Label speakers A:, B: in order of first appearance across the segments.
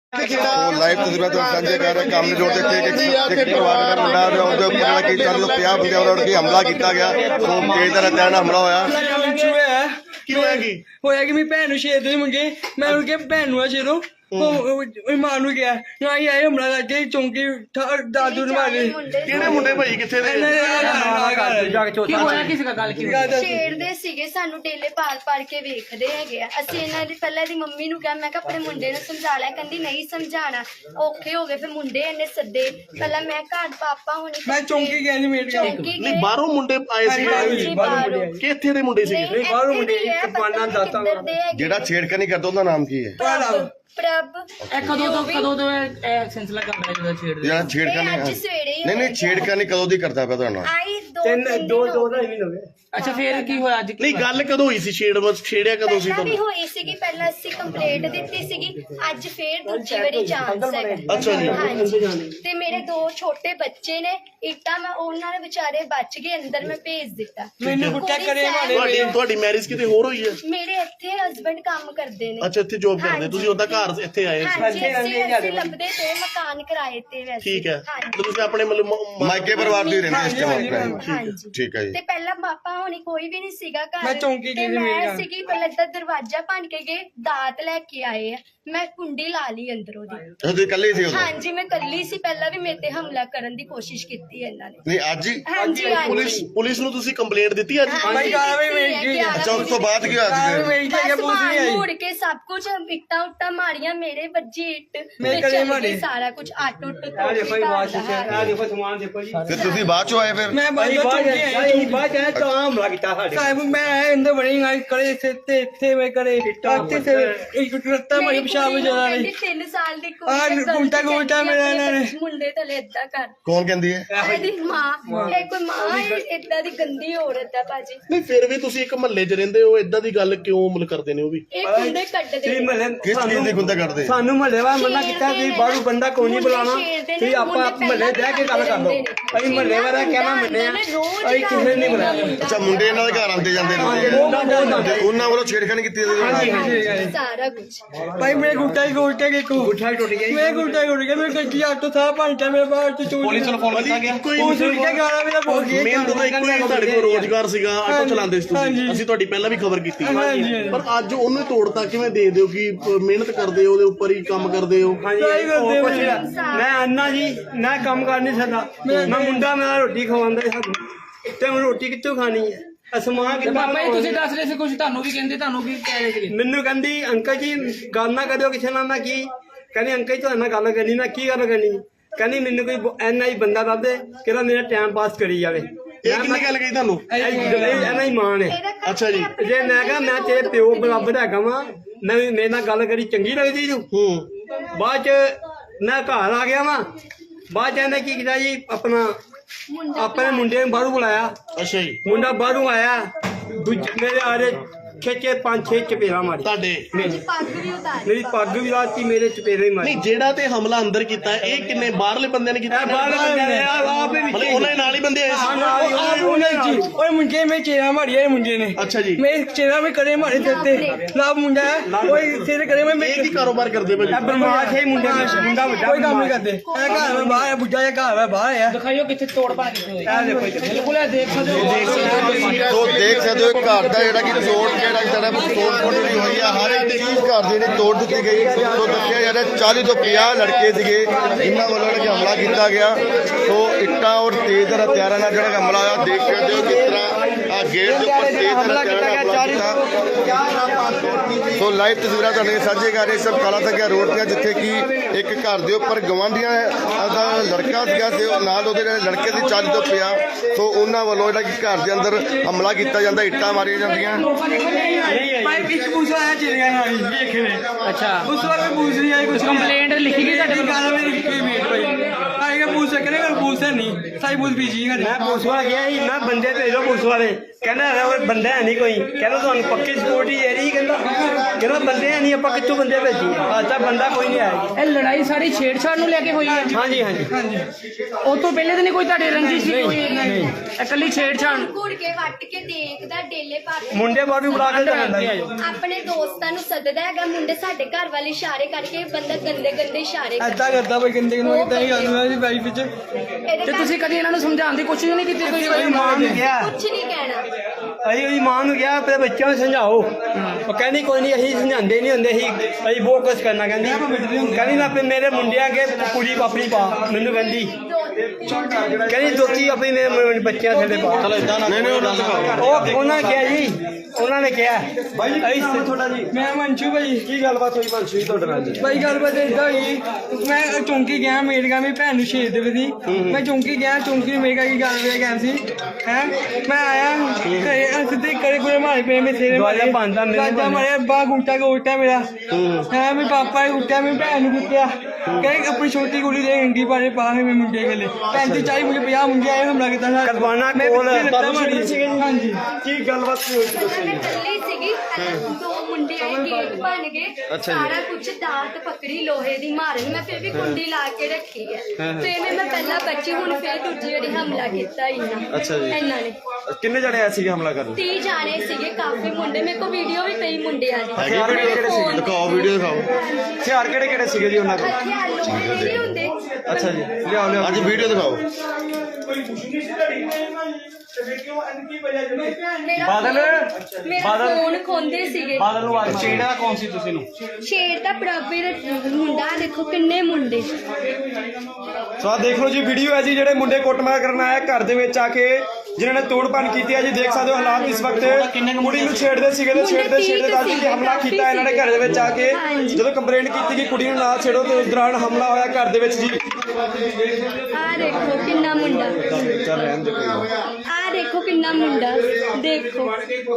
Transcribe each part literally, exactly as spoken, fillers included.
A: Live ਤਸਵੀਰਾਂ ਤੋਂ ਸਾਂਝੇ ਕਰ ਰਹੇ ਕੰਮ ਜੋੜ ਦੇ ਇੱਕ ਪਰਿਵਾਰ ਦਾ ਮੁੰਡਾ ਉਹਦੇ ਉੱਪਰ ਜਿਹੜਾ ਕਿ ਚਾਲੀ ਤੋਂ ਪੰਜਾਹ ਬੰਦਿਆਂ ਵੱਲੋਂ ਕੀ ਹਮਲਾ ਕੀਤਾ ਗਿਆ। ਸੋ ਤੇਜ਼ ਦਰ ਤੈਨ ਹਮਲਾ ਹੋਇਆ।
B: ਕੀ ਹੋਇਆ ਕੀ ਹੋਇਆ ਕਿ ਮੇਰੀ ਭੈਣ ਨੂੰ ਛੇਦ ਦੇ ਮੁੰਡੇ ਮੈਂ ਉਹਨੂੰ ਕਿਹਾ ਭੈਣ ਨੂੰ ਆ ਛੇਦੋ ਉਹ ਮਾਂ ਨੂੰ ਗਿਆ ਨਾ ਹੀ ਆਏ ਹਮਲਾ ਕਰਕੇ ਚੌਂਕੀ ਦਾਦੂ ਨੂੰ ਮਾਰੇ।
C: ਕਿਹੜੇ ਮੁੰਡੇ ਭਾਈ ਕਿੱਥੇ ਦੇ
D: ਛੇੜਦੇ ਸੀਗੇ ਸਾਨੂੰ ਟੇਲੇ ਪਾਲ ਪਾਲ ਕੇ ਵੇਖਦੇ ਹੈਗੇ ਆ। ਅਸੀਂ ਇਹਨਾਂ ਦੀ ਪਹਿਲਾਂ ਦੀ ਮੰਮੀ ਨੂੰ ਕਿਹਾ ਮੈਂ ਕਿਹਾ ਆਪਣੇ ਮੁੰਡੇ ਨੂੰ ਸਮਝਾ ਲਿਆ, ਕਹਿੰਦੀ ਨਹੀਂ ਸਮਝਾਣਾ ਔਖੇ ਹੋ ਗਏ। ਫਿਰ ਮੁੰਡੇ ਇਹਨੇ ਸੱਦੇ ਪਹਿਲਾਂ ਮੈਂ ਘਰ ਪਾਪਾ ਹੋਣੀ
B: ਮੈਂ ਚੌਂਕੀ ਗਿਆ ਜੀ ਮੇਟ
D: ਚੌਂਕੀ
C: ਨਹੀਂ ਬਾਹਰੋਂ ਮੁੰਡੇ ਆਏ ਸੀ ਕਿੱਥੇ ਦੇ ਮੁੰਡੇ ਸੀਗੇ
B: ਬਾਹਰੋਂ ਮੁੰਡੇ ਕਿਰਪਾਨਾਂ ਦਾਤਾਂ
A: ਜਿਹੜਾ ਛੇੜਖਾਨੀ ਕਰਦਾ ਉਹਦਾ ਨਾਮ ਕੀ ਹੈ?
D: ਪ੍ਰਭ
E: ਇਹ ਕਦੋਂ ਤੋਂ ਕਦੋਂ ਤੋਂ ਇਹ ਸਿਲਸਿਲਾ ਕੰਮ ਹੈ ਜਿਹੜਾ ਛੇੜਦੇ
A: ਜਿਹੜਾ ਛੇੜਖਾਨੀ
D: ਅੱਜ ਸਵੇਰੇ ਹੀ
A: ਨਹੀਂ ਨਹੀਂ ਛੇੜਖਾਨੀ ਕਦੋਂ ਦੀ ਕਰਦਾ ਪਿਆ ਤੁਹਾਡਾ?
D: ਆਈ ਦੋ
B: ਤਿੰਨ
D: ਤਿੰਨ
B: ਦੋ
D: ਦਿਨ
B: ਦੋ
D: ਹੋ
B: ਦਾ ਹੀ ਹੋ ਗਏ।
E: ਅੱਛਾ ਫੇਰ ਕੀ ਹੋਇਆ ਅੱਜ?
C: ਨਹੀਂ ਗੱਲ ਕਦੋਂ ਹੋਈ ਸੀ ਛੇੜ ਬਸ ਛੇੜਿਆ ਕਦੋਂ ਸੀ
D: ਪਹਿਲਾਂ ਵੀ
C: ਤੁਹਾਨੂੰ?
D: ਹੋਈ ਸੀਗੀ, ਪਹਿਲਾਂ ਅਸੀਂ ਕੰਪਲੇਂਟ ਦਿੱਤੀ ਸੀਗੀ, ਅੱਜ ਫੇਰ ਦੂਜੀ ਵਾਰੀ ਚਾਂਸ ਹੈ।
C: ਅੱਛਾ ਜੀ।
D: ਹਾਂਜੀ ਤੇ ਮੇਰੇ ਦੋ ਛੋਟੇ ਬੱਚੇ ਨੇ ਇੱਟਾਂ ਮੈਂ ਉਹਨਾਂ ਦੇ ਵਿਚਾਰੇ ਬਚ ਗਏ, ਅੰਦਰ ਮੈਂ ਭੇਜ ਦਿੱਤਾ।
B: ਮੈਨੂੰ ਗੁੱਟਾ
D: ਕੁੜੀ
B: ਕਰੇ
D: ਸਹਿ-
C: ਤੁਹਾਡੀ ਤੁਹਾਡੀ ਮੈਰਿਜ ਕਿਤੇ ਹੋਰ ਹੋਈ ਹੈ?
D: ਮੇਰੇ ਇੱਥੇ ਹਸਬੰਡ ਕੰਮ ਕਰਦੇ ਨੇ।
C: ਅੱਛਾ ਇੱਥੇ ਜੌਬ ਕਰਦੇ ਤੁਸੀਂ ਉਹਦਾ ਘਰ ਇੱਥੇ ਆਏ ਸੀ?
D: ਹਾਂਜੀ ਅਸੀਂ ਅਸੀਂ ਲੱਭਦੇ ਤੇ ਮਕਾਨ ਕਿਰਾਏ ਤੇ ਵੈਸੇ।
C: ਠੀਕ ਹੈ
D: ਹਾਂਜੀ।
C: ਤੇ ਤੁਸੀਂ ਆਪਣੇ ਮਤਲਬ ਮ-
A: ਮਾਇਕੇ ਪਰਿਵਾਰ ਦੀ ਰਹਿੰਦੇ ਇਸ ਟਾਈਮ?
D: ਹਾਂਜੀ
A: ਠੀਕ ਹੈ ਜੀ।
D: ਤੇ ਪਹਿਲਾਂ ਪਾਪਾ ਹੋਣੀ ਕੋਈ ਵੀ ਨਹੀਂ ਸੀਗਾ ਘਰ।
B: ਮੈਂ ਚੌਂਕੀ
D: ਤੇ
B: ਗਈ ਸੀ ਮੇਰੇ
D: ਮੈਂ
B: ਨਾਲ।
D: ਸੀਗੀ ਪਹਿਲਾਂ ਤਾਂ ਦਰਵਾਜ਼ਾ ਭੰਨ ਕੇ ਗਏ, ਦਾਤ ਲੈ ਕੇ ਆਏ ਆ, ਮੈਂ ਕੁੰਡੀ ਲਾ ਲਈ ਅੰਦਰੋਂ ਦੀ।
A: ਤੁਸੀਂ ਇਕੱਲੇ ਸੀ ਉਦੋਂ?
D: ਹਾਂਜੀ ਮੈਂ ਕੱਲੀ ਸੀ, ਪਹਿਲਾਂ ਵੀ ਮੇਰੇ ਤੇ ਹਮਲਾ ਕਰਨ ਦੀ ਕੋਸ਼ਿਸ਼ ਕੀਤੀ ਇਹਨਾਂ ਨੇ।
A: ਨਹੀਂ ਅੱਜ ਹੀ?
D: ਹਾਂਜੀ
C: ਪੁਲਿਸ
D: ਹਾਂਜੀ
C: ਪੁਲਿਸ ਨੂੰ ਤੁਸੀਂ ਕੰਪਲੇਂਟ ਦਿੱਤੀ ਅੱਜ?
B: ਭਾਈ ਗਾਲਾਂ ਵੀ ਮੇਰੀ ਗਈ।
A: ਅੱਛਾ ਉਸ ਤੋਂ ਬਾਅਦ ਕੀ ਹੋਇਆ ਸੀ ਫਿਰ?
B: ਮੇਰੀ ਜਗ੍ਹਾ
D: ਬਸ
B: ਪੁਲਿਸ ਨਹੀਂ
D: ਮਾਰ
B: ਆਈ।
D: ਮੁੜ ਕੇ ਸਭ ਕੁਝ ਇੱਟਾਂ ਉੱਟਾਂ ਮਾਰੀਆਂ, ਮੇਰੇ ਵੱਜੀ ਇੱਟ
B: ਮੇਰੇ
D: ਤੇ
B: ਗਲੇ
D: ਚੱਲ
B: ਮਾਰੇ।
D: ਗਈ ਸਾਰਾ ਕੁਝ ਆਟੋ ਉੱਟ
B: ਆ ਦੇਖੋ ਇਹ ਵਾਸ਼ਿਸ਼ ਹੈ, ਆ ਦੇਖੋ ਸਮਾਨ ਦੇਖੋ ਜੀ।
A: ਫਿਰ ਤੁਸੀਂ ਬਾਅਦ ਚੋਂ ਆਏ ਫਿਰ?
B: ਮੈਂ ਬਾਈ ਬਾਅਦ ਆਈ ਬਾਅਦ ਆਇਆ ਤਾਂ ਹਮਲਾ ਕੀਤਾ ਸਾਡੇ ਸਾਹਿਬ। ਮੈਂ ਆਇਆ ਅੰਦਰ ਬੜੀ ਗਾਈ ਕਰੇ ਇੱਥੇ ਤੇ ਇੱਥੇ ਮੈਂ ਕਰੇ ਇੱਥੇ ਸੇ ਇੱਕ ਟਰੱਤਾ ਮਾਰੀ ਪਿਸ਼ਾਬ ਜਰਾ ਨਹੀਂ।
D: ਤਿੰਨ ਸਾਲ ਦੀ
B: ਆਹ
D: ਕੁੜੀ
B: ਗੁੰਡਾ ਗੁੰਡਾ ਮੇਰਾ ਇਹਨਾਂ ਨੇ।
D: ਮੁੰਡੇ ਤਲੇ ਏਦਾਂ ਕਰ
A: ਕੌਣ ਕਹਿੰਦੀ ਹੈ?
D: ਇਹਦੀ ਮਾਂ ਇਹ ਕੋਈ ਮਾਂ ਏਦਾਂ ਦੀ ਗੰਦੀ ਔਰਤ ਹੈ ਭਾਜੀ।
C: ਨਹੀਂ ਫਿਰ ਵੀ ਤੁਸੀਂ ਇੱਕ ਮਹੱਲੇ 'ਚ ਰਹਿੰਦੇ ਹੋ ਇਦਾਂ ਦੀ ਗੱਲ ਕਿਉਂ ਮਤਲਬ ਕਰਦੇ ਨੇ ਉਹ ਵੀ?
D: ਇਹ ਕੁੰਡੇ ਕੱਢਦੇ ਨੇ।
A: ਕਿਸ ਚੀਜ਼ ਦੀ ਗੁੰਦਾ ਕਰਦੇ?
B: ਸਾਨੂੰ ਮਹੱਲੇ ਵਾਲਾ ਮਨਾ ਕੀਤਾ ਵੀ ਬਾਹਰੋਂ ਬੰਦਾ ਕੋਈ ਨਹੀਂ ਬੁਲਾਣਾ, ਤੁਸੀਂ ਆਪਾਂ ਮਹੱਲੇ ਬਹਿ ਕੇ ਗੱਲ ਕਰ ਲਓ। ਅਸੀਂ ਮਹੱਲੇ ਵਾਲਾ ਕਹਿਣਾ ਮੰਨੇ ਆ, ਅਸੀਂ ਕਿਸੇ ਨਹੀਂ ਬੁਲਾਇਆ।
A: ਅੱਛਾ ਮੁੰਡੇ ਇਹਨਾਂ ਦੇ ਘਰ ਆਉਂਦੇ ਜਾਂਦੇ ਨੇ ਤੇ ਉਹਨਾਂ ਵੱਲੋਂ ਛੇੜਖਾਨੀ ਕੀਤੀ ਜਾਂਦੀ?
D: ਸਾਰਾ ਕੁਝ
B: ਭਾਈ ਮੇਰੇ ਗੁੱਟਾ ਹੀ ਗੁੱਟੇ ਕੇ ਕੋ ਗੁੱਟਾ ਟੁੱਟ ਗਿਆ। ਮੇਰੇ ਗੁੱਟਾ ਟੁੱਟ ਗਿਆ, ਮੇਰੇ ਗੱਡੀ ਆਟੋ ਸਾਹ ਪੰਚਾ ਮੇਰੇ ਬਾਹਰ ਤੇ ਚੋਰੀ।
C: ਪੁਲਿਸ ਨੂੰ ਫੋਨ ਕੀਤਾ ਗਿਆ?
B: ਪੁਲਿਸ ਨੂੰ ਕਿਹਾ ਗਾਲਾਂ ਵੀ ਨਾ ਬੋਲ ਗਈ।
C: ਮਿਹਨਤ ਦਾ ਇੱਕੋ ਹੀ ਤੁਹਾਡੇ ਕੋਲ ਰੋਜ਼ਗਾਰ ਸੀਗਾ, ਆਟੋ ਚਲਾਉਂਦੇ ਸੀ ਤੁਸੀਂ, ਅਸੀਂ ਤੁਹਾਡੀ ਪਹਿਲਾਂ ਵੀ ਖਬਰ ਕੀਤੀ ਪਰ ਅੱਜ ਉਹਨੂੰ ਤੋੜਤਾ ਕਿਵੇਂ ਦੇ ਦਿਓ ਕਿ ਮਿਹਨਤ ਕਰਦੇ ਹੋ ਉਹਦੇ ਉੱਪਰ ਹੀ ਕੰਮ ਕਰਦੇ ਹੋ?
B: ਮੈਂ ਅੰਨਾ ਜੀ ਮੈਂ ਕੰਮ ਕਰ ਨਹੀਂ ਸਕਦਾ, ਮੈਂ ਮੁੰਡਾ ਮੇਰਾ ਰੋਟੀ ਖਵਾਉਂਦਾ ਸਾਨੂੰ ਤੇ ਹੁਣ ਰੋਟੀ ਕਿੱਥੋਂ ਖਾਣੀ ਹੈ? ਅਸਮਾਨ
E: ਤੇ
B: ਕਿੱਦਾਂ?
E: ਬਾਬਾ ਜੀ ਤੁਸੀਂ ਦੱਸ ਰਹੇ ਸੀ ਕੁਝ, ਤੁਹਾਨੂੰ ਵੀ ਕਹਿੰਦੇ, ਤੁਹਾਨੂੰ ਕੀ ਕਹਿ ਰਹੇ ਸੀ?
B: ਮੈਨੂੰ ਕਹਿੰਦੀ ਅੰਕਲ ਜੀ ਗੱਲ ਨਾ ਕਰਿਓ ਕਿਸੇ ਨਾਲ। ਮੈਂ ਕੀ ਕਹਿੰਦੀ ਅੰਕਲ ਜੀ ਤੁਹਾਡੇ ਨਾਲ ਗੱਲ ਕਰਨੀ। ਮੈਂ ਕੀ ਗੱਲ ਕਰਨੀ? ਕਹਿੰਦੀ ਮੈਨੂੰ ਕੋਈ ਐਨਾ ਹੀ ਬੰਦਾ ਦੱਸ ਦੇ ਕਿਹੜਾ ਮੇਰਾ ਟਾਈਮ ਪਾਸ ਕਰੀ ਜਾਵੇ।
C: ਇਹ ਕਿੰਨੀ ਗੱਲ ਕਹੀ ਤੁਹਾਨੂੰ?
B: ਐਨਾ ਹੀ ਮਾਂ ਨੇ।
C: ਅੱਛਾ ਜੀ।
B: ਜੇ ਮੈਂ ਕਿਹਾ ਮੈਂ ਤੇਰੇ ਪਿਓ ਬਰਾਬਰ ਹੈਗਾ ਵਾਂ, ਮੈਂ ਮੇਰੇ ਨਾਲ ਗੱਲ ਕਰੀ ਚੰਗੀ ਲੱਗਦੀ ਤੂੰ?
C: ਹੂੰ
B: ਬਾਅਦ ਚ ਮੈਂ ਘਰ ਆ ਗਿਆ ਵਾਂ, ਬਾਅਦ ਚ ਇਹਨੇ ਕੀ ਕੀਤਾ ਜੀ ਆਪਣਾ ਆਪਣੇ ਮੁੰਡੇ ਨੂੰ ਬਾਹਰੋਂ ਬੁਲਾਇਆ।
C: ਅੱਛਾ ਜੀ।
B: ਮੁੰਡਾ ਬਾਹਰੋਂ ਆਇਆ, ਦੂਜੇ ਮੇਰੇ ਆਰੇ ਖੇਚੇ ਪੰਜ ਛੇ ਚਪੇੜਾ ਮਾਰੀ।
C: ਤੁਹਾਡੇ
D: ਮੇਰੀ ਪੱਗ ਵੀ ਉਤਾਰੀ।
B: ਮੇਰੀ ਪੱਗ ਵੀ ਲਾਤੀ, ਮੇਰੇ ਚਪੇੜੇ ਹੀ ਮਾਰੀ।
C: ਨਹੀਂ ਜਿਹੜਾ ਤੇ ਹਮਲਾ ਅੰਦਰ ਕੀਤਾ ਇਹ ਕਿੰਨੇ ਬਾਹਰਲੇ ਬੰਦਿਆਂ ਨੇ ਕੀਤਾ?
B: ਬਾਹਰ ਬੰਦੇ ਨੇ ਆਪ ਹੀ
C: ਮਤਲਬ ਉਹਨਾਂ ਦੇ ਨਾਲ ਹੀ ਬੰਦੇ ਆਏ ਸੀ?
B: ਓਏ ਮੁੰਡੇ ਮੇ ਚੇਰਾ ਮਾਰਿਆ ਮੁੰਡੇ ਨੇ।
C: ਅੱਛਾ ਜੀ।
B: ਮੇਰੇ ਚੇਰਾ ਮੇ ਕਰੇ ਮਾਰੇ ਤੇ ਲਾਭ ਮੁੰਡਾ ਹੈ ਓਏ ਤੇਰੇ ਕਰੇ ਮੈਂ
C: ਇਹ ਕੀ ਕਾਰੋਬਾਰ ਕਰਦੇ ਭਾਜੀ?
B: ਬਰਮਾਸ਼ ਹੈ ਮੁੰਡਾ ਮੁੰਡਾ ਵੱਡਾ ਕੋਈ ਕੰਮ ਨਹੀਂ ਕਰਦੇ। ਇਹ ਘਰ ਮੈਂ ਬਾਹਰ ਬੁੱਢਾ ਜਿਹਾ ਘਰ ਹੈ ਬਾਹਰ ਆ।
E: ਦਿਖਾਇਓ ਕਿੱਥੇ ਤੋੜ ਪਾ ਕਿੱਥੇ ਹੋਈ।
B: ਇਹ ਦੇਖੋ
E: ਬਿਲਕੁਲ ਇਹ ਦੇਖ ਸਕਦੇ ਹੋ।
A: ਤੋ ਦੇਖ ਸਕਦੇ ਹੋ ਘਰ ਦਾ ਜਿਹੜਾ ਕਿ ਤੋੜ ਜਿਹੜਾ ਜਿਹੜਾ ਤੋੜ ਫੋੜ ਵੀ ਹੋਈ ਆ, ਹਰ ਇੱਕ ਚੀਜ਼ ਘਰ ਦੀ ਜਿਹੜੀ ਤੋੜ ਦਿੱਤੀ ਗਈ। ਸੋ ਦੱਸਿਆ ਜਾ ਰਿਹਾ ਚਾਲੀ ਤੋਂ ਪੰਜਾਹ ਲੜਕੇ ਸੀਗੇ ਇਹਨਾਂ ਵੱਲੋਂ ਜਿਹੜਾ ਕਿ ਹਮਲਾ ਕੀਤਾ ਗਿਆ। ਸੋ ਇੱਟਾਂ ਔਰ ਤੇਜ਼ ਹਥਿਆਰਾਂ ਨਾਲ ਜਿਹੜਾ ਹਮਲਾ ਹੋਇਆ ਦੇਖ ਸਕਦੇ ਹੋ ਕਿਸ ਤਰ੍ਹਾਂ ਆ ਗੇਟ ਦੇ ਉੱਪਰ ਤੇਜ਼ ਹਥਿਆਰਾਂ ਨਾਲ ਹਮਲਾ ਕੀਤਾ। ਸੋ ਲਾਈਵ ਤਸਵੀਰਾਂ ਤੁਹਾਡੇ ਨਾਲ ਸਾਂਝੇ ਕਰ ਰਹੇ ਸਭ ਕਾਲਾ ਤੱਕਿਆ ਰੋਡ ਦੀਆਂ, ਜਿੱਥੇ ਕਿ ਇੱਕ ਘਰ ਦੇ ਉੱਪਰ ਗਵਾਂਢੀਆਂ ਦਾ ਲੜਕਾ ਸੀਗਾ ਤੇ ਨਾਲ ਉਹਦੇ ਜਿਹੜੇ ਲੜਕੇ ਸੀ ਚਾਲੀ ਤੋਂ ਪੰਜਾਹ। ਸੋ ਉਹਨਾਂ ਵੱਲੋਂ ਜਿਹੜਾ ਕਿ ਘਰ ਦੇ ਅੰਦਰ ਹਮਲਾ ਕੀਤਾ ਜਾਂਦਾ, ਇੱਟਾਂ ਮਾਰੀਆਂ ਜਾਂਦੀਆਂ।
B: ਭਾਈ ਕਿਸ ਪੂਛ ਆਇਆ ਚਿੜੀਆਂ ਨਾਲ ਦੇਖਣੇ।
E: ਅੱਛਾ
B: ਉਸ ਵਾਰ ਮੈਂ ਪੂਛ ਨਹੀਂ ਆਈ ਕੁਝ।
E: ਕੰਪਲੇਂਟ ਲਿਖੀ ਗਈ ਤੁਹਾਡੇ?
B: ਗਾਲਾਂ ਵੀ ਲਿਖੀ ਗਈ ਮੇਟ ਭਾਈ ਆਏਗਾ ਪੂਛ ਸਕਣੇ ਕਰ ਪੂਛ ਨਹੀਂ। ਸਾਈਬੁਲ ਪੀਜੀ ਘਰੇ
F: ਮੈਂ ਪੁਲਿਸ ਵਾਲਾ ਗਿਆ ਸੀ ਮੈਂ ਬੰਦੇ ਭੇਜੋ ਪੁਲਿਸ ਵਾਲੇ ਕਹਿੰਦਾ ਉਹ ਬੰਦਾ ਹੈ ਨਹੀਂ ਕੋਈ ਕਹਿੰਦਾ ਤੁਹਾਨੂੰ ਪੱਕੀ ਸਿਕਿਉਰਿਟੀ ਦੇ ਰਹੀ ਕਹਿੰਦਾ ਕਹਿੰਦਾ ਬੰਦੇ ਹੈ ਨਹੀਂ ਆਪਾਂ ਕਿੱਥੋਂ ਬੰਦੇ ਭੇਜੀ ਅੱਜ ਤੱਕ ਬੰਦਾ ਕੋਈ ਨਹੀਂ ਆਇਆ ਜੀ।
E: ਇਹ ਲੜਾਈ ਸਾਰੀ ਛੇੜਛਾੜ ਨੂੰ ਲੈ ਕੇ ਹੋਈ ਹੈ
F: ਹਾਂਜੀ ਹਾਂਜੀ
E: ਉਹ ਤੋਂ ਪਹਿਲੇ ਤਾਂ ਨਹੀਂ ਕੋਈ ਤੁਹਾਡੇ ਰੰਜਿਸ਼ ਸੀ ਕੋਈ ਨਹੀਂ ਇਕੱਲੀ ਛੇੜਛਾੜ
D: ਘੁੜ ਕੇ ਵੱਟ ਕੇ ਦੇਖਦਾ ਡੇਲੇ ਪਾ ਕੇ
F: ਮੁੰਡੇ ਬਾਹਰ ਵੀ ਬੁਲਾ ਕੇ ਜਾਂਦਾ
D: ਆਪਣੇ ਦੋਸਤਾਂ ਨੂੰ ਸੱਦਦਾ ਹੈਗਾ ਮੁੰਡੇ ਸਾਡੇ ਘਰ ਵਾਲੇ ਇਸ਼ਾਰੇ ਕਰਕੇ ਬੰਦਾ ਗੰਦੇ ਗੰਦੇ ਇਸ਼ਾਰੇ ਕਰਦਾ।
B: ਐਦਾਂ ਕਰਦਾ ਬਈ ਗੰਦੇ ਨੂੰ ਇਦਾਂ ਹੀ ਆਉਂਦਾ ਸੀ ਵਾਈਫ ਵਿੱਚ
D: ਇਹਦੇ
E: ਤੇ ਤੁਸੀਂ ਕਦੀ ਇਹਨਾਂ ਨੂੰ ਸਮਝਾਉਣ ਦੀ ਕੋਸ਼ਿਸ਼ ਨਹੀਂ ਕੀਤੀ ਕੋਈ
F: ਉਹਦੀ ਮਾਂ ਨੂੰ ਕਿਹਾ
D: ਕੁਝ ਨਹੀਂ ਕਹਿਣਾ।
F: ਅਸੀਂ ਉਹਦੀ ਮਾਂ ਨੂੰ ਕਿਹਾ ਆਪਣੇ ਬੱਚਿਆਂ ਨੂੰ ਸਮਝਾਓ ਉਹ ਕਹਿੰਦੀ ਕੋਈ ਨਹੀਂ ਅਸੀਂ ਸਮਝਾਉਂਦੇ ਨਹੀਂ ਹੁੰਦੇ ਅਸੀਂ ਅਸੀਂ ਬਹੁਤ ਕੁਛ ਕਰਨਾ ਕਹਿੰਦੀ ਕਹਿੰਦੀ ਮੈਂ ਆਪਣੇ ਮੇਰੇ ਮੁੰਡਿਆਂ ਕੇ ਕੁੜੀ ਆਪਣੀ ਪਾ ਮੈਨੂੰ ਕਹਿੰਦੀ ਕਹਿੰਦੀ ਦੋਤੀ ਆਪਣੀ ਮੇਰੇ ਬੱਚਿਆਂ ਥੱਲੇ ਪਾ
C: ਚਲੋ ਇਦਾਂ ਨਾ
A: ਨਹੀਂ ਨਹੀਂ ਉਹਨਾਂ ਦਿਖਾਓ
F: ਉਹ ਉਹਨਾਂ ਨੇ ਕਿਹਾ ਜੀ ਉਹਨਾਂ ਨੇ ਕਿਹਾ
B: ਭਾਈ
F: ਅਸੀਂ ਤੁਹਾਡਾ ਜੀ
B: ਮੈਂ ਮੰਚੂ ਭਾਈ
F: ਕੀ ਗੱਲਬਾਤ ਹੋਈ ਪੰਛੀ ਜੀ ਤੁਹਾਡੇ ਨਾਲ ਜੀ
B: ਭਾਈ ਗੱਲਬਾਤ ਏਦਾਂ ਹੋਈ ਮੈਂ ਚੌਂਕੀ ਗਿਆ ਮੇਰੀ ਗਾ ਮੇਰੀ ਭੈਣ ਨੂੰ ਛੇੜ ਦੇ ਸੀ ਮੈਂ ਚੌਂਕੀ ਗਿਆ ਚੌਂਕੀ ਮੇਰੀ ਗਾ ਕੀ ਗੱਲ ਵੇ ਗਿਆ ਸੀ ਹੈ ਮੈਂ ਆਇਆ ਘਰੇ ਸਿੱਧੇ ਕਰੇ ਕੋਈ ਮਾਰੇ ਪਏ ਮੇਰੇ ਸਿਰੇ
F: ਦੁਆਲੇ ਪਾਉਂਦਾ ਮੇਰੇ
B: ਗਾਜਾ ਮਾਰਿਆ ਬਾ ਗੁੱਟਾ ਕੋ ਉੱਟਿਆ ਮੇਰਾ ਹੈ ਮੇਰੇ ਪਾਪਾ ਨੇ ਉੱਟਿਆ ਮੇਰੀ ਭੈਣ ਨੂੰ ਕੁੱਟਿਆ ਕਹੇ ਆਪਣੀ ਛੋਟੀ ਕੁੜੀ ਦੇ ਅੰਗੀ ਪਾਰੇ ਪਾ ਹੈ ਮੇਰੇ ਮੁੰਡੇ ਗਲੇ ਪੈਂਤੀ ਚਾਲੀ ਮੁੰਡੇ ਪੰਜਾਹ ਮੁੰਡੇ ਆਏ ਹਮਲਾ ਕੀਤਾ ਨਾ
F: ਕਰਵਾਨਾ ਕੋਲ
B: ਹਾਂਜੀ
F: ਕੀ ਗੱਲਬਾਤ ਹੋਈ
D: ਮੈਂ ਇਕੱਲੀ ਸੀਗੀ ਦੋ ਮੁੰਡੇ ਆਏ ਗੇਟ ਬਣ ਗਏ ਸਾਰਾ ਕੁਝ ਦਾਤ ਪਕੜੀ ਲੋਹੇ ਦੀ ਮਾਰਨ ਮੈਂ ਫਿਰ ਵੀ ਕੁੰਡੀ ਲਾ ਕੇ ਰੱਖੀ ਹੈ ਫਿਰ ਮੈਂ ਮੈਂ ਪਹਿਲਾਂ ਬੱਚੀ ਹੁਣ ਫਿਰ ਦੂਜੀ ਵਾਰੀ ਹਮਲਾ ਕੀਤਾ ਇਹਨਾਂ
C: ਅੱਛਾ ਜੀ।
D: ਇਹਨਾਂ ਨੇ
C: ਕਿੰਨੇ ਜਣੇ ਆਏ ਸੀਗੇ ਹਮਲਾ ਕਰਨ
D: ਤੀਹ ਜਾਣੇ ਸੀਗੇ ਕਾਫੀ ਮੁੰਡੇ ਮੇਰੇ ਕੋਲ ਵੀਡੀਓ ਵੀ ਪਈ ਮੁੰਡਿਆਂ ਦੀ
A: ਹੈਗੀ ਵੀਡੀਓ ਕਿਹੜੇ ਸੀਗੇ ਦਿਖਾਓ ਵੀਡੀਓ ਦਿਖਾਓ
C: ਹਥਿਆਰ ਕਿਹੜੇ ਕਿਹੜੇ ਸੀਗੇ ਜੀ ਉਹਨਾਂ ਕੋਲ
D: ਹਥਿਆਰ ਲੋਹੇ ਦੇ ਨਹੀਂ ਹੁੰਦੇ
C: ਅੱਛਾ ਜੀ ਲਿਆਓ ਲਿਆਓ
A: ਅੱਜ ਵੀਡੀਓ ਦਿਖਾਓ
D: ਮੇਰਾ
F: ਬਾਦਲ,
D: ਫੋਨ- ਮੇਰਾ
F: ਬਾਦਲ।
D: ਫੋਨ ਖੋਂਦੇ ਸੀਗੇ
F: ਬਾਦਲ ਨੂੰ ਆਵਾਜ਼
C: ਚੀੜਾ ਕੌਣ ਸੀ ਤੁਸੀਂ ਨੂੰ
D: ਸ਼ੇਰ ਦਾ ਬਰਾਬਰ ਮੁੰਡਾ ਦੇਖੋ ਕਿੰਨੇ ਮੁੰਡੇ
F: ਸੋ ਆਹ ਦੇਖ ਲਓ ਜੀ ਵੀਡੀਓ ਹੈ ਜੀ ਜਿਹੜੇ ਮੁੰਡੇ ਕੁੱਟਮਾਰ ਕਰਨ ਆਏ ਘਰ ਦੇ ਵਿੱਚ ਆ ਕੇ ਜਿਨ੍ਹਾਂ ਨੇ ਤੋੜ ਭੰਨ ਕੀਤੀ ਹੈ ਜੀ ਦੇਖ ਸਕਦੇ ਹੋ ਹਾਲਾਤ ਇਸ ਵਕਤ ਕੁੜੀ ਨੂੰ ਛੇੜਦੇ ਸੀਗੇ ਤੇ ਛੇੜਦੇ ਛੇੜਦੇ ਤਾਂ ਜੀ ਹਮਲਾ ਕੀਤਾ ਇਹਨਾਂ ਨੇ ਘਰ ਦੇ ਵਿੱਚ ਆ ਕੇ ਜਦੋਂ ਕੰਪਲੇਂਟ ਕੀਤੀ ਕਿ ਕੁੜੀ ਨੂੰ ਨਾ ਛੇੜੋ ਤੇ ਉਸ ਦੌਰਾਨ ਹਮਲਾ ਹੋਇਆ ਘਰ ਦੇ ਵਿੱਚ ਜੀ
D: ਆ ਦੇਖੋ ਕਿੰਨਾ ਮੁੰਡਾ
C: ਚੱਲ ਰਹਿਣ ਦੇ ਕੋਈ
D: ਆ ਦੇਖੋ ਕਿੰਨਾ ਮੁੰਡਾ ਦੇਖੋ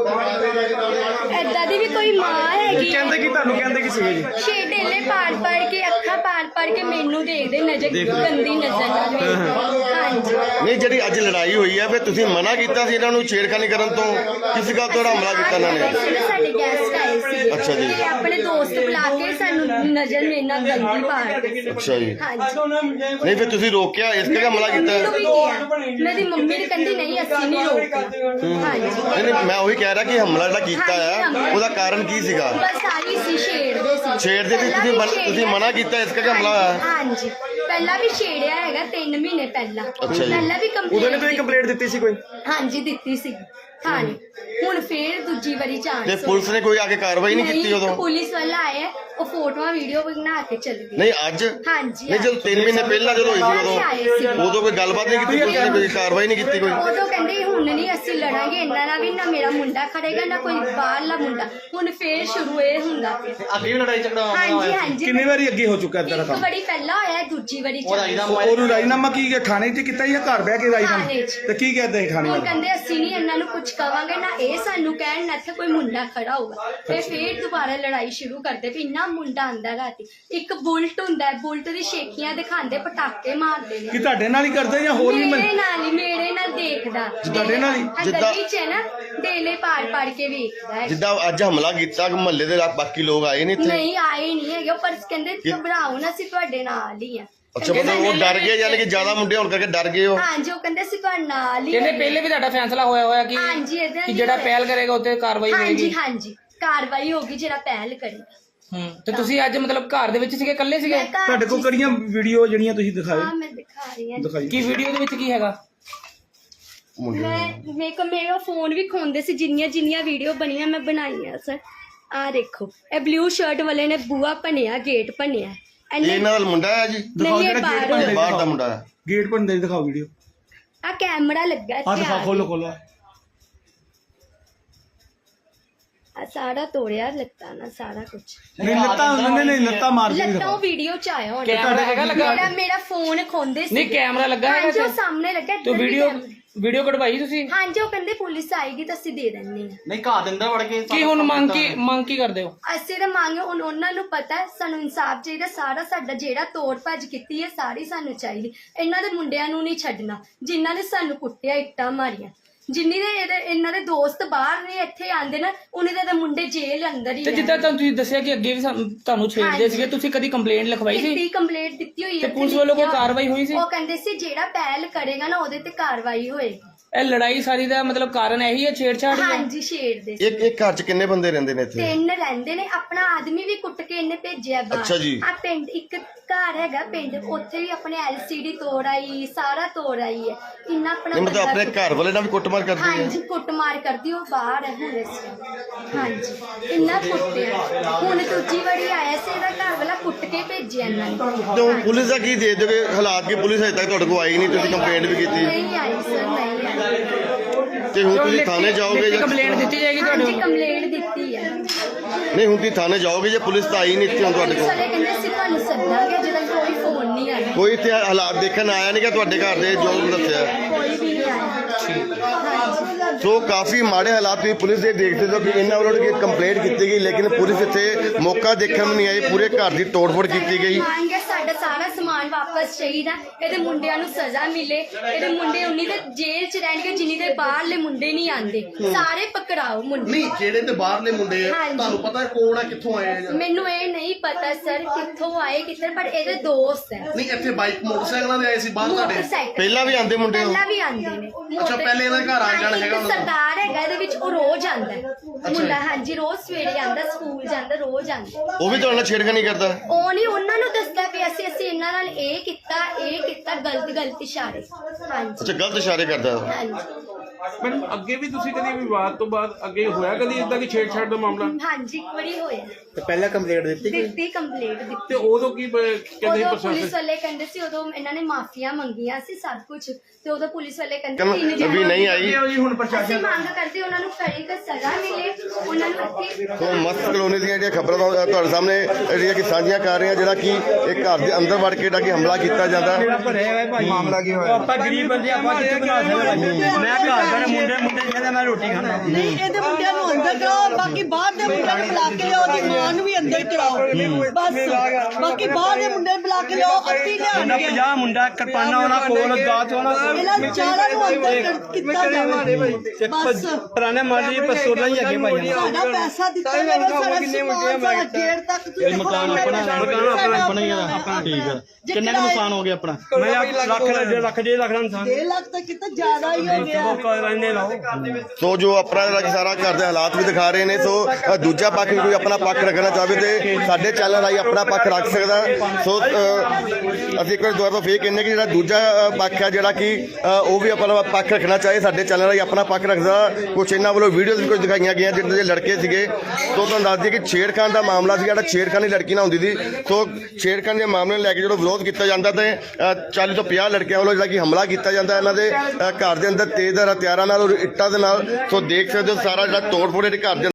D: ਏਦਾਂ ਦੀ ਵੀ ਕੋਈ ਮਾਂ ਹੈਗੀ ਹੈ।
F: ਕਹਿੰਦੇ ਕਿ ਤੁਹਾਨੂੰ ਕਹਿੰਦੇ ਕਿ ਸੀਗੇ ਜੀ
D: ਛੇ ਢੇਲੇ ਪਾੜ ਪਾੜ ਕੇ ਅੱਖਾਂ ਪਾੜ ਪਾੜ ਕੇ ਮੈਨੂੰ ਦੇਖਦੇ ਨਜ਼ਰ ਗੰਦੀ ਨਜ਼ਰ ਨਾਲ ਵੇਖਦੇ। ਹਾਂਜੀ
A: ਨਹੀਂ ਜਿਹੜੀ ਅੱਜ ਲੜਾਈ ਹੋਈ ਹੈ ਫਿਰ ਤੁਸੀਂ ਮਨਾ ਕੀਤਾ ਸੀ ਇਹਨਾਂ ਨੂੰ ਛੇੜਖਾਨੀ ਕਰਨ ਤੋਂ ਕਿਸ ਗੱਲ ਤੋਂ ਹਮਲਾ ਕੀਤਾ ਇਹਨਾਂ ਨੇ
D: ਅੱਜ ਨਾ ਸਾਡੇ ਗੈਸਟ ਆਏ ਸੀ
A: ਅੱਛਾ ਜੀ।
D: ਤੇ ਆਪਣੇ ਦੋਸਤ ਬੁਲਾ ਕੇ ਸਾਨੂੰ ਨਜ਼ਰ ਮੇਰੇ ਨਾਲ ਗੰਦੀ ਪਾੜ
A: ਅੱਛਾ ਜੀ
D: ਹਾਂਜੀ
A: ਨਹੀਂ ਫਿਰ ਤੁਸੀਂ ਰੋਕਿਆ ਇਸ ਕਰਕੇ ਹਮਲਾ ਕੀਤਾ
D: ਮੰਮੀ ਨੂੰ ਵੀ ਕਿਹਾ ਮੇਰੀ ਮੰਮੀ ਨੇ ਕਹਿੰਦੀ ਨਹੀਂ ਅਸੀਂ ਨਹੀਂ ਰੋਕਦੇ ਹਾਂਜੀ
A: ਨਹੀਂ ਨਹੀਂ ਮੈਂ ਉਹੀ ਕਹਿ ਰਿਹਾ ਕਿ ਹਮਲਾ ਜਿਹੜਾ ਕੀਤਾ ਹੈ ਉਹਦਾ ਕਾਰਨ ਕੀ ਸੀਗਾ
D: ਬਸ ਆਹੀ ਸੀ ਛੇੜਦੇ ਸੀ
A: ਛੇੜਦੇ ਸੀ ਤੁਸੀਂ ਮਨ- ਤੁਸੀਂ ਮਨਾ ਕੀਤਾ ਇਸ ਕਰਕੇ ਹਮਲਾ ਹੋਇਆ
D: ਹਾਂਜੀ ਪਹਿਲਾਂ ਵੀ ਛੇੜਿਆ ਹੈਗਾ ਤਿੰਨ ਮਹੀਨੇ ਪਹਿਲਾਂ
A: ਅੱਛਾ ਜੀ।
D: ਪਹਿਲਾਂ ਵੀ
F: ਉਦੋਂ ਨੇ ਤੁਸੀਂ
D: ਕੰਪਲੇਂਟ
F: ਕੰਪਲੇਂਟ ਦਿੱਤੀ ਸੀ ਕੋਈ
D: ਹਾਂਜੀ ਦਿੱਤੀ ਸੀ ਹਾਂਜੀ ਹੁਣ ਫੇਰ ਦੂਜੀ ਵਾਰੀ ਚਾਂਸ
A: ਤੇ ਪੁਲਿਸ ਨੇ ਕੋਈ ਆ ਕੇ ਕਾਰਵਾਈ ਨਹੀਂ ਕੀਤੀ ਉਦੋਂ
D: ਪੁਲਿਸ ਵਾਲਾ ਆਇਆ ਉਹ ਫੋਟੋਆਂ ਵੀਡੀਓ ਬਣਾ ਕੇ ਚਲੇ ਗਏ
A: ਨਹੀਂ ਅੱਜ
D: ਹਾਂਜੀ
A: ਨਹੀਂ ਜਦੋਂ ਤਿੰਨ ਮਹੀਨੇ ਪਹਿਲਾਂ ਜਦੋਂ ਹੋਈ ਸੀ
D: ਆਏ ਸੀ।
A: ਉਦੋਂ ਉਦੋਂ ਕੋਈ ਗੱਲਬਾਤ ਨਹੀਂ ਕੀਤੀ ਪੁਲਿਸ ਨੇ ਕੋਈ ਕਾਰਵਾਈ ਨਹੀਂ ਕੀਤੀ ਕੋਈ
D: ਉਦੋਂ ਕਹਿੰਦੇ ਹੁਣ ਨਹੀਂ ਅਸੀਂ ਲੜਾਂਗੇ ਇਹਨਾਂ ਨਾਲ ਵੀ ਨਾ ਮੇਰਾ ਮੁੰਡਾ ਖੜੇਗਾ ਨਾ ਕੋਈ ਬਾਹਰਲਾ ਮੁੰਡਾ ਹੁਣ ਫੇਰ ਸ਼ੁਰੂ ਇਹ ਹੁੰਦਾ ਪਿਆ
C: ਅੱਗੇ ਵੀ ਲੜਾਈ ਝਗੜਾ
D: ਹਾਂਜੀ ਹਾਂਜੀ
C: ਕਿੰਨੀ ਵਾਰੀ ਅੱਗੇ ਹੋ ਚੁੱਕਾ ਇਦਾਂ ਦਾ
D: ਇੱਕ
C: ਕੰਮ
D: ਵਾਰੀ ਪਹਿਲਾਂ ਹੋਇਆ ਦੂਜੀ ਵਾਰੀ ਚਾਂਸ
C: ਉਹਨੂੰ ਰਾਜੀਨਾਮਾ ਕੀ ਥਾਣੇ 'ਚ ਕੀਤਾ ਜਾਂ ਘਰ ਬਹਿ ਕੇ ਰਾਜੀਨਾਮਾ
D: ਥਾਣੇ 'ਚ।
C: ਤੇ ਕੀ ਕਹਿੰਦੇ ਥਾਣੇ
D: ਹੁਣ
C: ਵਾਲੇ
D: ਕਹਿੰਦੇ ਅਸੀਂ ਨਹੀਂ ਇਹਨਾਂ ਨੂੰ ਕੁਝ ਕਵਾਂਗੇ ਨਾ ਇਹ ਸਾਨੂੰ ਕਹਿਣ ਨਾ ਇੱਥੇ ਕੋਈ ਮੁੰਡਾ ਖੜਾ ਹੋਊਗਾ ਤੇ ਫੇਰ ਦੁਬਾਰਾ ਲੜਾਈ ਸ਼ੁਰੂ ਕਰਦੇ ਵੀ ਇੰਨਾ ਮੁੰਡਾ ਆਂਦਾ ਰਾਤੀ ਇੱਕ ਬੁਲਟ ਹੁੰਦਾ ਹੈ ਬੁਲਟ ਦੀ ਸ਼ੇਖੀਆਂ ਦਿਖਾਉਂਦੇ ਪਟਾਕੇ ਮਾਰਦੇ ਨੇ
C: ਕੀ ਤੁਹਾਡੇ ਨਾਲ ਹੀ ਕਰਦੇ ਜਾਂ ਹੋਰ ਵੀ
D: ਮੇਰੇ ਨਾਲ ਹੀ ਮੇਰੇ ਨਾਲ ਦੇਖਦਾ
C: ਤੁਹਾਡੇ ਨਾਲ ਹੀ?
A: ਜਿੱਦਾਂ-
D: ਜਿੱਦਾਂ ਚ ਨਾ ਡੇਲੇ ਪਾੜ ਪਾੜ ਕੇ ਵੇਖਦਾ ਹੈ
A: ਜਿੱਦਾਂ ਅੱਜ ਹਮਲਾ ਕੀਤਾ ਮਹੱਲੇ ਦੇ ਬਾਕੀ ਲੋਕ ਆਏ ਨੇ ਇੱਥੇ
D: ਨਹੀਂ ਆਏ ਨਹੀਂ ਹੈਗੇ ਉਹ ਪਰ ਕਹਿੰਦੇ ਘਬਰਾਓ ਨਾ ਅਸੀਂ ਤੁਹਾਡੇ ਨਾਲ ਹੀ ਆ
A: ਅੱਛਾ ਮਤਲਬ ਉਹ ਡਰ ਗਏ ਯਾਨੀ ਕਿ ਜ਼ਿਆਦਾ ਮੁੰਡੇ ਹੋਣ ਕਰਕੇ ਡਰ ਗਏ ਹੋ
D: ਹਾਂਜੀ ਉਹ ਕਹਿੰਦੇ ਅਸੀਂ ਤੁਹਾਡੇ ਨਾਲ ਹੀ
E: ਕਹਿੰਦੇ
D: ਆ।
E: ਪਹਿਲੇ ਵੀ ਤੁਹਾਡਾ ਫੈਸਲਾ ਹੋਇਆ ਹੋਇਆ ਕਿ
D: ਹਾਂਜੀ ਇਹਦਾ
E: ਕਿ ਜਿਹੜਾ ਪਹਿਲ ਕਰੇਗਾ ਉੱਤੇ ਕਾਰਵਾਈ
D: ਹਾਂਜੀ
E: ਹੋਏਗੀ
D: ਹਾਂਜੀ ਕਾਰਵਾਈ ਹੋਗੀ ਜਿਹੜਾ ਪਹਿਲ ਕਰੇਗਾ
E: ਹੂੰ ਤੇ ਤੁਸੀਂ ਅੱਜ ਮਤਲਬ ਘਰ ਦੇ ਵਿੱਚ ਸੀਗੇ ਇਕੱਲੇ ਸੀਗੇ
D: ਮੈਂ ਘਰ
C: ਤੁਹਾਡੇ ਕੋਲ
D: ਚ-
C: ਕਿਹੜੀਆਂ ਵੀਡੀਓ ਜਿਹੜੀਆਂ ਤੁਸੀਂ ਦਿਖਾਏ
D: ਹਾਂ ਮੈਂ ਦਿਖਾ ਰਹੀ ਹਾਂ
C: ਦਿਖਾਈ
E: ਕੀ ਵੀਡੀਓ ਦੇ ਵਿੱਚ ਕੀ ਹੈਗਾ
D: ਮੈਂ ਮੇਰੇ ਕੋ ਮੇਰਾ ਫੋਨ ਵੀ ਖੋਂਦੇ ਸੀ ਜਿੰਨੀਆਂ ਜਿੰਨੀਆਂ ਵੀਡੀਓ ਬਣੀਆਂ ਮੈਂ ਬਣਾਈਆਂ ਸਰ ਆ ਦੇਖੋ ਇਹ ਬਲੂ ਸ਼ਰਟ ਵਾਲੇ ਨੇ ਬੂਆ ਭੰਨਿਆ ਗੇਟ ਭੰਨਿਆ
A: ਇਹ
D: ਇਹਨੇ
A: ਇਹਨਾਂ ਦਾ ਮੁੰਡਾ ਹੈ ਜੀ
C: ਦਿਖਾਓ
D: ਨਹੀਂ, ਇਹ
C: ਜਿਹੜਾ ਗੇਟ
D: ਬਾਹਰੋਂ।
C: ਭੰਨ
A: ਬਾਹਰ ਦਾ ਮੁੰਡਾ ਹੈ
C: ਗੇਟ ਭੰਨ ਦੇ ਦਿਖਾਓ ਵੀਡੀਓ
D: ਆ ਕੈਮਰਾ ਲੱਗਾ
C: ਆ
D: ਇੱਥੇ
C: ਦਿਖਾਓ
D: ਆ
C: ਖੋਲੋ ਖੋਲੋ
D: ਆ ਸਾਰਾ ਤੋੜਿਆ ਲੱਤਾਂ ਨਾ ਸਾਰਾ ਕੁਝ
C: ਨਹੀਂ ਲੱਤਾਂ ਨਹੀਂ ਨਹੀਂ ਲੱਤਾਂ ਮਾਰ ਕੇ
D: ਲੱਤਾਂ
C: ਦਿਖਾਓ
D: ਉਹ ਵੀਡੀਓ ਚ ਆਇਆ ਹੁਣ
E: ਕੈਮਰਾ ਹੈਗਾ ਲੱਗਾ
D: ਮੇਰਾ ਮੇਰਾ ਫੋਨ ਖੋਂਦੇ ਸੀ
E: ਨਹੀਂ ਕੈਮਰਾ ਲੱਗਾ ਹੈਗਾ
D: ਹਾਂਜੀ ਉਹ
E: ਤੇ-
D: ਸਾਹਮਣੇ ਲੱਗਾ
E: ਤੇ ਵੀਡੀਓ ਵੀਡੀਓ ਕਢਵਾਈ ਤੁਸੀਂ?
D: ਹਾਂਜੀ ਉਹ ਕਹਿੰਦੇ ਪੁਲਿਸ ਆਏਗੀ ਤਾਂ ਅਸੀਂ ਦੇ ਦਿੰਦੇ ਹਾਂ।
G: ਨਹੀਂ ਘਰ ਦੇ ਅੰਦਰ ਵੜ ਕੇ
E: ਕੀ ਹੁਣ ਮੰਗ ਕੀ ਮੰਗ ਕੀ ਕਰਦੇ ਹੋ?
D: ਅਸੀਂ ਤਾਂ ਮੰਗੇ ਹੁਣ ਉਹਨਾਂ ਨੂੰ ਪਤਾ ਹੈ, ਸਾਨੂੰ ਇਨਸਾਫ ਚਾਹੀਦਾ। ਸਾਰਾ ਸਾਡਾ ਜਿਹੜਾ ਤੋੜ ਭੱਜ ਕੀਤੀ ਹੈ ਸਾਰੀ ਸਾਨੂੰ ਚਾਹੀਦੀ। ਇਹਨਾਂ ਦੇ ਮੁੰਡਿਆਂ ਨੂੰ ਨਹੀਂ ਛੱਡਣਾ ਜਿਨ੍ਹਾਂ ਨੇ ਸਾਨੂੰ ਕੁੱਟਿਆ, ਇੱਟਾਂ ਮਾਰੀਆਂ। ਜਿੰਨੀ ਦੇ ਇਹਦੇ ਇਹਨਾਂ ਦੇ ਦੋਸਤ ਬਾਹਰ ਨੇ ਇੱਥੇ ਆਂਦੇ ਨਾ ਉਹਨਾਂ ਦੇ ਤਾਂ ਮੁੰਡੇ ਜੇਲ੍ਹ ਅੰਦਰ ਹੀ
E: ਤੇ ਜਿੱਦਾਂ ਤੁਹਾਨੂੰ ਤੁਸੀਂ ਦੱਸਿਆ ਕਿ ਅੱਗੇ ਵੀ ਸਾਨੂੰ- ਤੁਹਾਨੂੰ ਛੇੜਦੇ ਸੀਗੇ, ਤੁਸੀਂ ਕਦੀ ਕੰਪਲੇਂਟ ਲਿਖਵਾਈ ਸੀ?
D: ਦਿੱਤੀ, ਕੰਪਲੇਂਟ ਦਿੱਤੀ ਹੋਈ
E: ਤੇ
D: ਹੈ।
E: ਪੁਲਿਸ ਵੱਲੋਂ ਕੋਈ ਕਾਰਵਾਈ ਹੋਈ ਸੀ?
D: ਉਹ ਕਹਿੰਦੇ ਸੀ ਜਿਹੜਾ ਪਹਿਲ ਕਰੇਗਾ ਨਾ ਉਹਦੇ ਤੇ ਕਾਰਵਾਈ ਹੋਏਗੀ।
E: ਇਹ ਲੜਾਈ ਸਾਰੀ ਦਾ ਮਤਲਬ ਕਾਰਨ ਇਹੀ ਹੈ, ਛੇੜਛਾੜ ਹੀ ਹੈ?
D: ਹਾਂਜੀ ਛੇੜਦੇ ਸੀ।
A: ਇੱਕ ਇੱਕ ਘਰ 'ਚ ਕਿੰਨੇ ਬੰਦੇ ਰਹਿੰਦੇ ਨੇ ਇੱਥੇ?
D: ਤਿੰਨ ਰਹਿੰਦੇ ਨੇ। ਆਪਣਾ ਆਦਮੀ ਵੀ ਕੁੱਟ ਕੇ ਇਹਨੇ ਭੇਜਿਆ ਬਾਹਰ।
A: ਅੱਛਾ ਜੀ।
D: ਆ ਪਿੰਡ ਇੱਕ ਘਰ ਹੈਗਾ ਪਿੰਡ, ਉੱਥੇ ਵੀ ਆਪਣੇ ਐਲਸੀਡੀ ਤੋੜ ਆਈ, ਸਾਰਾ ਤੋੜ ਆਈ ਹੈ। ਇੰਨਾ ਆਪਣਾ
A: ਨਹੀਂ ਮਤਲਬ
D: ਬੰਦਾ
A: ਆਪਣੇ
D: ਕੁੱਟ-
A: ਘਰ ਵਾਲੇ ਨਾਲ ਵੀ ਕੁੱਟਮਾਰ ਕਰਦੀ ਹੈ?
D: ਹਾਂਜੀ ਕੁੱਟਮਾਰ ਕਰਦੀ, ਉਹ ਬਾਹਰ ਹੈ ਹੁਣ ਇਸ ਹਾਂਜੀ ਇੰਨਾ ਕੁੱਟਿਆ। ਹੁਣ ਦੂਜੀ ਵਾਰੀ ਆਇਆ ਸੀ ਇਹਦਾ ਘਰ ਵਾਲਾ ਕੁੱਟ ਕੇ ਭੇਜਿਆ ਇਹਨਾਂ ਨੇ।
A: ਤੇ ਹੁਣ ਪੁਲਿਸ ਦਾ ਕੀ ਦੇ ਦੇਵੇ ਹਾਲਾਤ ਕਿ ਪੁਲਿਸ ਹਜੇ ਤੱਕ ਤੁਹਾਡੇ ਕੋਲ ਆਈ ਨਹੀਂ, ਤੁਸੀਂ ਕੰਪਲੇਂਟ ਵੀ ਕੀਤੀ
D: ਨਹੀਂ ਆਈ ਸਰ, ਨਹੀਂ ਆਈ।
A: ਤੇ ਹੁਣ ਤੁਸੀਂ ਥਾਣੇ ਜਾਓਗੇ ਜਾਂ
E: ਕੰਪਲੇਂਟ ਦਿੱਤੀ ਜਾਏਗੀ
D: ਹਾਂਜੀ
E: ਤੁਹਾਨੂੰ?
D: ਕੰਪਲੇਂਟ ਦਿੱਤੀ ਹੈ।
A: ਨਹੀਂ ਹੁਣ ਤੁਸੀਂ ਥਾਣੇ ਜਾਓਗੇ ਜੇ ਪੁਲਿਸ ਤਾਂ ਆਈ ਨਹੀਂ ਇੱਥੇ ਹੁਣ ਤੁਹਾਡੇ
D: ਪੁਲਿਸ
A: ਕੋਲ?
D: ਵਾਲੇ ਕਹਿੰਦੇ ਅਸੀਂ ਤੁਹਾਨੂੰ ਸੱਦਾਂਗੇ, ਜਦੋਂ ਕੋਈ ਫੋਨ ਨਹੀਂ ਆਇਆ।
A: ਕੋਈ ਇੱਥੇ ਹਾਲਾਤ ਦੇਖਣ ਆਇਆ ਨਹੀਂ ਕਿ ਤੁਹਾਡੇ ਘਰ ਦੇ ਜੋ ਦੱਸਿਆ?
D: ਕੋਈ ਵੀ ਨਹੀਂ ਆਇਆ। ਹਾਂਜੀ
A: ਸੋ ਕਾਫੀ ਮਾੜੇ ਹਾਲਾਤ ਤੁਸੀਂ ਪੁਲਿਸ ਦੇ ਦੇਖਦੇ ਹੋ ਕਿ ਇਹਨਾਂ ਵੱਲੋਂ ਕਿ ਕੰਪਲੇਂਟ ਕੀਤੀ ਗਈ ਲੇਕਿਨ ਪੁਲਿਸ ਇੱਥੇ ਮੌਕਾ ਦੇਖਣ ਨੂੰ ਨਹੀਂ ਆਈ। ਪੂਰੇ ਘਰ ਦੀ ਤੋੜਫੋੜ ਕੀਤੀ ਗਈ।
D: ਮੰਗ ਹੈ ਸਾਡਾ ਸਾਰਾ ਸਮਾਨ ਵਾਪਸ ਚਾਹੀਦਾ। ਇਹਦੇ ਮੁੰਡਿਆਂ ਨੂੰ ਸਜ਼ਾ ਮਿਲੇ। ਇਹਦੇ ਮੁੰਡੇ ਉਨੀ ਦੇ ਜੇਲ੍ਹ 'ਚ ਰਹਿਣਗੇ ਜਿੰਨੀ ਦੇ ਬਾਹਰਲੇ ਮੁੰਡੇ ਨਹੀਂ ਆਂਦੇ। ਸਾਰੇ ਪਕੜਾਓ ਮੁੰਡੇ।
C: ਨਹੀਂ ਜਿਹੜੇ ਤੇ ਬਾਹਰਲੇ ਮੁੰਡੇ ਆ
D: ਹਾਂਜੀ।
C: ਤੁਹਾਨੂੰ ਪਤਾ ਕੌਣ ਆ ਕਿੱਥੋਂ ਆਏ ਆ ਜਾਂ-
D: ਮੈਨੂੰ ਇਹ ਨਹੀਂ ਪਤਾ ਸਰ ਕਿੱਥੋਂ ਆਏ ਕਿੱਧਰ, ਪਰ ਇਹਦੇ ਦੋਸਤ ਹੈ।
C: ਨਹੀਂ ਇੱਥੇ ਬਾਈਕ ਮੋਟਰਸਾਈਕਲਾਂ ਦੇ ਆਏ ਸੀ ਬਾਹਰ ਤੁਹਾਡੇ?
D: ਮੋਟਰਸਾਈਕਲ
A: ਪਹਿਲਾਂ ਵੀ ਆਉਂਦੇ ਮੁੰਡੇ ਉਹ?
D: ਪਹਿਲਾਂ ਵੀ ਆਉਂਦੇ ਨੇ।
C: ਅੱਛਾ, ਪਹਿਲੇ ਇਹਨਾਂ ਦੇ ਘਰ ਆਉਣ ਜਾਣ
D: ਹਾਂਜੀ,
C: ਹੈਗਾ
D: ਇੱਕ
C: ਉਹਨਾਂ ਦਾ?
D: ਸਰਦਾਰ ਹੈਗਾ ਇਹਦੇ ਵਿੱਚ, ਉਹ ਰੋਜ਼ ਆਂਦਾ ਹੈ। ਮੁੰਡਾ ਹਾਂਜੀ ਰੋਜ਼ ਸਵੇਰੇ ਆਂਦਾ, ਸਕੂਲ ਜਾਂਦਾ, ਰੋਜ਼ ਆਂਦਾ।
A: ਉਹ ਵੀ ਤੁਹਾਡੇ ਨਾਲ ਛੇੜਖਾਨੀ ਕਰਦਾ?
D: ਉਹ ਨਹੀਂ ਉਹਨਾਂ ਨੂੰ ਦੱਸਦਾ ਵੀ ਅਸੀਂ ਅਸੀਂ ਇਹਨਾਂ ਨਾਲ ਇਹ ਕੀਤਾ ਇਹ ਕੀਤਾ ਗਲਤ ਗਲਤ ਇਸ਼ਾਰੇ। ਹਾਂਜੀ
A: ਅੱਛਾ ਗਲਤ ਇਸ਼ਾਰੇ ਕਰਦਾ ਉਹ?
D: ਹਾਂਜੀ
H: ਮੈਡਮ ਅੱਗੇ ਵੀ ਤੁਸੀਂ ਕਦੀ ਵਿਵਾਦ ਤੋਂ ਬਾਅਦ ਅੱਗੇ ਹੋਇਆ ਕਦੀ ਇਦਾਂ ਕਿ ਛੇੜਛਾੜ ਦਾ ਮਾਮਲਾ?
D: ਹਾਂਜੀ ਇੱਕ ਵਾਰੀ ਹੋਇਆ।
G: ਤੇ ਪਹਿਲਾਂ ਕੰਪਲੇਂਟ ਦਿੱਤੀ
D: ਦਿੱਤੀ ਕੰਪਲੀਟ
H: ਤੇ
D: ਦਿੱਤੀ।
H: ਉਦੋਂ ਕੀ ਬ- ਕਹਿੰਦੇ
D: ਉਦੋਂ
H: ਪ੍ਰਸ਼ਾਸਨ?
D: ਪੁਲਿਸ ਵਾਲੇ ਕਹਿੰਦੇ ਸੀ, ਉਦੋਂ ਇਹਨਾਂ ਨੇ ਮਾਫੀਆਂ ਮੰਗੀਆਂ ਸੀ ਸਭ ਕੁਝ, ਤੇ ਉਦੋਂ ਪੁਲਿਸ ਵਾਲੇ ਕਹਿੰਦੇ
A: ਕਹਿੰਦੇ
D: ਤਿੰਨ
A: ਅਭੀ ਨਹੀਂ ਆਈ।
H: ਜੀ ਹੁਣ
D: ਅਸੀਂ ਮੰਗ ਕਰਦੇ ਉਹਨਾਂ ਨੂੰ ਕੜੀ ਕ ਸਜ਼ਾ ਮਿਲੇ, ਉਹਨਾਂ ਨੂੰ ਇੱਥੇ
A: ਸੋ ਮਸਤ ਕਲੋਨੀ ਦੀਆਂ ਜਿਹੜੀਆਂ ਖਬਰਾਂ ਤੋਂ ਤੁਹਾਡੇ ਸਾਹਮਣੇ ਜਿਹੜੀਆਂ ਕਿ ਸਾਂਝੀਆਂ ਕਰ ਰਹੇ ਹਾਂ, ਜਿਹੜਾ ਕਿ ਇੱਕ ਘਰ ਦੇ ਅੰਦਰ ਵੜ ਕੇ ਜਿਹੜਾ ਕਿ ਹਮਲਾ ਕੀਤਾ ਜਾਂਦਾ।
F: ਮਾਮਲਾ ਕੀ ਹੋਇਆ?
I: ਆਪਾਂ ਗਰੀਬ ਬੰਦੇ ਆਪਾਂ ਕਿੱਥੇ ਬਣਾ ਸਕਦੇ? ਮੈਂ ਘਰ ਦਾ ਮੁੰਡੇ ਮੁੰਡੇ ਕਹਿੰਦਾ ਮੈਂ ਰੋਟੀ ਖਾਣਾ।
J: ਨਹੀਂ ਇਹਦੇ ਮੁੰਡਿਆਂ ਨੂੰ ਅੰਦਰ ਕਰਾਓ, ਬਾਕੀ ਬਾਹਰ ਦੇ ਮੁੰਡਿਆਂ ਨੂੰ ਬੁਲਾ ਕੇ ਲਿਆਓ, ਉਹਦੀ ਮਾਂ ਨੂੰ ਵੀ ਅੰਦਰ ਕਰਾਓ ਬਸ। ਬਾਕੀ ਬਾਹਰ ਦੇ ਮੁੰਡੇ ਨੂੰ ਬੁਲਾ ਕੇ ਲਿਆਓ, ਅੱਤੀ
I: ਉਹਨਾਂ
J: ਲਿਆਣਗੇ।
I: ਪੰਜਾਹ ਮੁੰਡਾ ਕਿਰਪਾਨਾਂ ਉਹਨਾਂ ਕੋਲ ਦਾਤ ਉਹਨਾਂ
J: ਇਹਨਾਂ ਚਾਰਾਂ ਨੂੰ ਅੰਦਰ ਕਰ- ਕੀਤਾ ਜਾਵੇ ਬਸ।
I: ਪੁਰਾਣੇ ਮਾਲੀ ਪਸਤੌਲਾਂ ਹੀ ਅੱਗੇ ਪਾਈਆਂ।
J: ਸਾਡਾ ਪੈਸਾ ਦਿੱਤਾ ਜਾਵੇ, ਸਾਡਾ ਸਮਾਨ ਸਾਡਾ ਗੇਟ ਤੱਕ ਤੁਸੀਂ
I: ਮਕਾਨ ਆਪਣਾ ਮਕਾਨ ਆਪਣਾ ਆਪਣਾ ਹੀ ਆ ਆਪਣਾ। ਠੀਕ ਹੈ ਕਿੰਨਾ ਕੁ ਨੁਕਸਾਨ ਹੋ ਗਿਆ ਆਪਣਾ? ਮੈਂ ਲੱਖ ਲੱਖ ਦੇ ਲੱਖ ਦਾ ਨੁਕਸਾਨ।
J: ਡੇਢ ਲੱਖ ਤਾਂ ਕਿਤੇ ਜ਼ਿਆਦਾ ਹੀ ਹੋ ਗਿਆ।
I: ਮੌਕਾ ਰਹਿੰਦੇ ਲਾਓ।
A: ਸੋ ਜੋ ਆਪਣਾ ਜਿਹੜਾ ਕਿ ਸਾਰਾ ਘਰ ਦੇ ਹਾਲਾਤ ਵੀ ਦਿਖਾ ਰਹੇ ਨੇ। ਸੋ ਅ, ਦੂਜਾ ਪੱਖ ਵੀ ਕੋਈ ਆਪਣਾ ਪੱਖ ਰੱਖਣਾ ਚਾਹਵੇ ਤੇ ਸਾਡੇ ਚੈਨਲ ਰਾਹੀਂ ਆਪਣਾ ਪੱਖ ਰੱਖ ਸਕਦਾ। ਸੋ ਅ, ਅਸੀਂ ਇੱਕ ਵਾਰ ਦੁਬਾਰਾ ਤੋਂ ਫੇਰ ਕਹਿੰਦੇ ਕਿ ਜਿਹੜਾ ਦੂਜਾ ਅ, ਪੱਖ ਹੈ ਜਿਹੜਾ ਕਿ ਅ, ਉਹ ਵੀ ਆਪਣਾ ਪੱਖ ਰੱਖਣਾ ਚਾਹੇ ਸਾਡੇ ਚੈਨਲ ਰਾਹੀਂ ਆਪਣਾ ਪੱਖ ਰੱਖਦਾ। ਕੁਛ ਇਹਨਾਂ ਵੱਲੋਂ ਵੀਡੀਓਜ਼ ਵੀ ਕੁਝ ਦਿਖਾਈਆਂ ਗਈਆਂ ਜਿਹਦੇ ਦੇ ਲੜਕੇ ਸੀਗੇ। ਸੋ ਤੁਹਾਨੂੰ ਦੱਸ ਦਈਏ ਕਿ ਛੇੜਖਾਨ ਦਾ ਮਾਮਲਾ ਸੀ, ਜਿਹੜਾ ਛੇੜਖਾਨੀ ਲੜਕੀ ਨਾਲ ਹੁੰਦੀ ਸੀ। ਸੋ ਛੇੜਖਾਨ ਦੇ ਮਾਮਲੇ ਨੂੰ ਲੈ ਕੇ ਜਦੋਂ ਵਿਰੋਧ ਕੀਤਾ ਜਾਂਦਾ ਤੇ ਚਾਲੀ ਤੋਂ ਪੰਜਾਹ ਲੜਕਿਆਂ ਵੱਲੋਂ ਜਿਹੜਾ ਕਿ ਹਮਲਾ ਕੀਤਾ ਜਾਂਦਾ ਇਹਨਾਂ ਦੇ ਅ, ਘਰ ਦੇ ਅੰਦਰ ਤੇਜ਼ਧਾਰ ਹਥਿਆਰਾਂ ਨਾਲ ਔਰ ਇੱਟਾਂ ਦੇ ਨਾਲ। ਸੋ ਦੇਖ ਸਕਦੇ ਹੋ ਸਾਰਾ ਜਿਹੜਾ ਤੋੜ ਫੋੜ ਘਰ ਦੇ